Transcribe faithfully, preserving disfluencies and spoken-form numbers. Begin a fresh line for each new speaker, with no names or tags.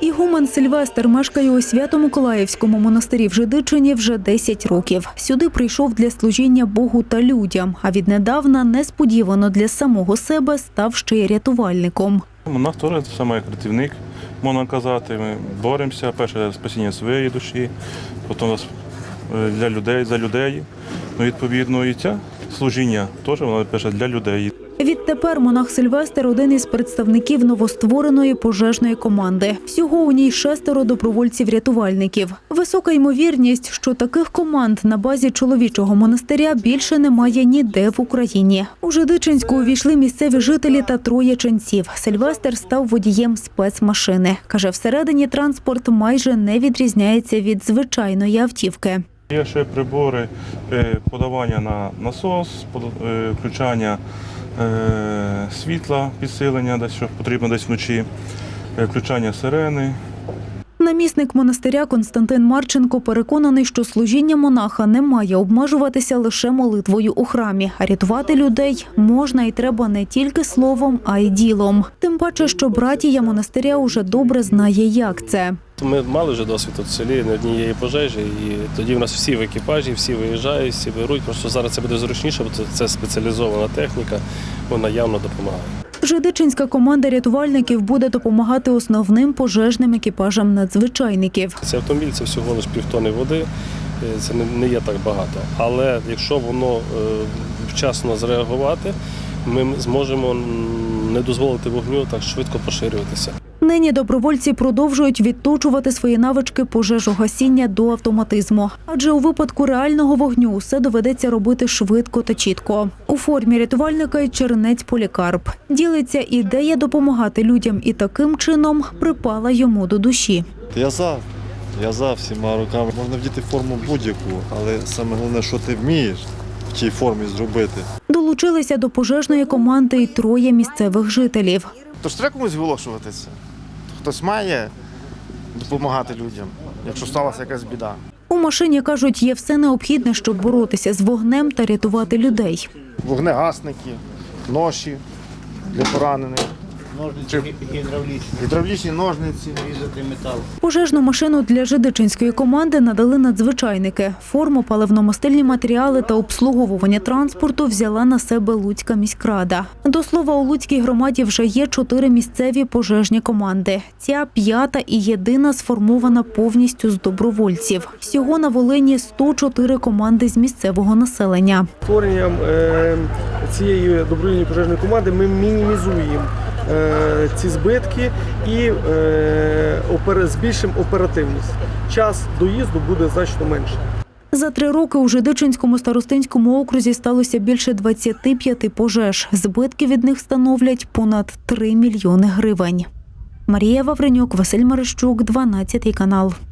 Ігумен Сильвестр мешкає у Свято-Миколаївському монастирі в Жидичині вже десять років. Сюди прийшов для служіння Богу та людям, а віднедавна несподівано для самого себе став ще й рятувальником.
Монах теж саме як рятівник, можна казати. Ми боремося, перше спасіння своєї душі, потім для людей, за людей. Ну, відповідно, і це служіння теж воно перше для людей.
Відтепер монах Сильвестр – один із представників новоствореної пожежної команди. Всього у ній шестеро добровольців-рятувальників. Висока ймовірність, що таких команд на базі чоловічого монастиря більше немає ніде в Україні. У Жидичинську увійшли місцеві жителі та троє ченців. Сильвестр став водієм спецмашини. Каже, всередині транспорт майже не відрізняється від звичайної автівки.
Є ще прибори подавання на насос, включання світла, підсилення, десь що потрібно десь вночі, включання сирени.
Намісник монастиря Константин Марченко переконаний, що служіння монаха не має обмежуватися лише молитвою у храмі, а рятувати людей можна і треба не тільки словом, а й ділом. Тим паче, що братія монастиря уже добре знає, як це.
Ми мали вже досвід тут в селі, не однієї пожежі, і тоді в нас всі в екіпажі, всі виїжджають, всі беруть. Просто зараз це буде зручніше, бо це спеціалізована техніка, вона явно допомагає.
Жидичинська команда рятувальників буде допомагати основним пожежним екіпажам надзвичайників.
Цей автомобіль – це всього лише півтони води, це не є так багато. Але якщо воно вчасно зреагувати, ми зможемо не дозволити вогню так швидко поширюватися.
Нині добровольці продовжують відточувати свої навички пожежогасіння до автоматизму. Адже у випадку реального вогню усе доведеться робити швидко та чітко. У формі рятувальника й чернець Полікарп. Ділиться, ідея допомагати людям і таким чином припала йому до душі.
Я за, я за всіма руками. Можна вдіти форму будь-яку, але саме головне, що ти вмієш в тій формі зробити.
Долучилися до пожежної команди й троє місцевих жителів.
Тож треба комусь виголошуватися. Хтось має допомагати людям, якщо сталася якась біда.
У машині, кажуть, є все необхідне, щоб боротися з вогнем та рятувати людей.
Вогнегасники, ноші для поранених.
Ножниці гідравлічні.
Гідравлічні ножниці.
Різати метал.
Пожежну машину для жидичинської команди надали надзвичайники. Форму, паливно-мастильні матеріали та обслуговування транспорту взяла на себе Луцька міськрада. До слова, у Луцькій громаді вже є чотири місцеві пожежні команди. Ця п'ята і єдина сформована повністю з добровольців. Всього на Волині сто чотири команди з місцевого населення.
Створенням цієї добровільної пожежної команди ми мінімізуємо ці збитки і збільшимо оперативність. Час доїзду буде значно менше.
За три роки у Жидичинському старостинському окрузі сталося більше двадцяти п'яти пожеж. Збитки від них становлять понад три мільйони гривень. Марія Вавренюк, Василь Марищук, дванадцятий канал.